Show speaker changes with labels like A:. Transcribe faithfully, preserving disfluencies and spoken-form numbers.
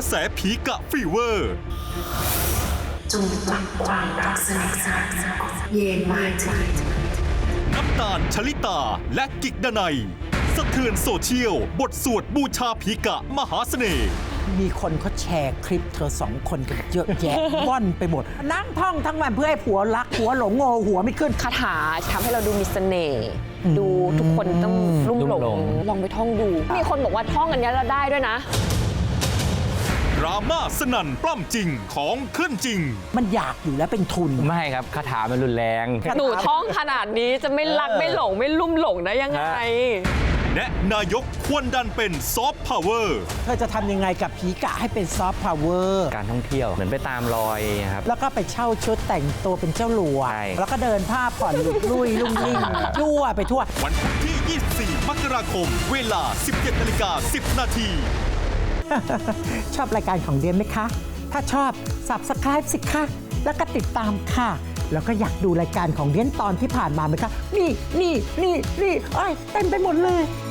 A: ระแสผีกะฟีเวอร์
B: จงปลักความรักสนิทสนมเย็นมาที
A: น้ำตาลชลิตาและกิกดนัยสะเทือนโซเชียลบทสวดบูชาผีกะมหาเสน่ห์
C: มีคนเขาแชร์คลิปเธอสองคนกันเยอะแยะ ว่อนไปหมด นั่งท่องทั้งวันเพื่อให้ผัวรักผัวหลงโง่หัวไม่ขึ้น
D: คาถาทำให้เราดูมีเสน่ห์ดูทุกคนต้องรุ่มหลงลองไปท่องดู มีคนบอกว่าท่องอันนี้เราได้ด้วยนะ
A: ดราม่าสนั่นปล้ำจริงของขึ้นจริง
C: มันอยากอยู่แล้วเป็นทุน
E: ไม่ครับคาถามันรุนแรง
D: หนูท่องขนาดนี้จะไม่รักไม่หลงไม่ลุ่มหลงได้ยังไง
A: แนะนายกควรดันเป็นซอฟต์พาวเวอร์
C: เธอจะทำยังไงกับผีกะให้เป็นซอฟต์พาวเวอร์
E: การท่องเที่ยวเหมือนไปตามรอยครับ
C: แล้วก็ไปเช่าชุดแต่งตัวเป็นเจ้าหลวง
E: ใช่
C: แล้วก็เดินผ้าผ่อนหลุดลุยลุ่งลิ่งยั่วไปทั่ว
A: วันพุธที่ ยี่สิบสี่ มกราคม เวลา สิบเจ็ดนาฬิกาสิบนาที
C: ชอบรายการของเดียนไหมคะ ถ้าชอบ Subscribe สิคะแล้วก็ติดตามค่ะ แล้วก็อยากดูรายการของเดียนตอนที่ผ่านมาไหมคะ นี่นี่นี่นี่เอ้ยเต็มไปหมดเลย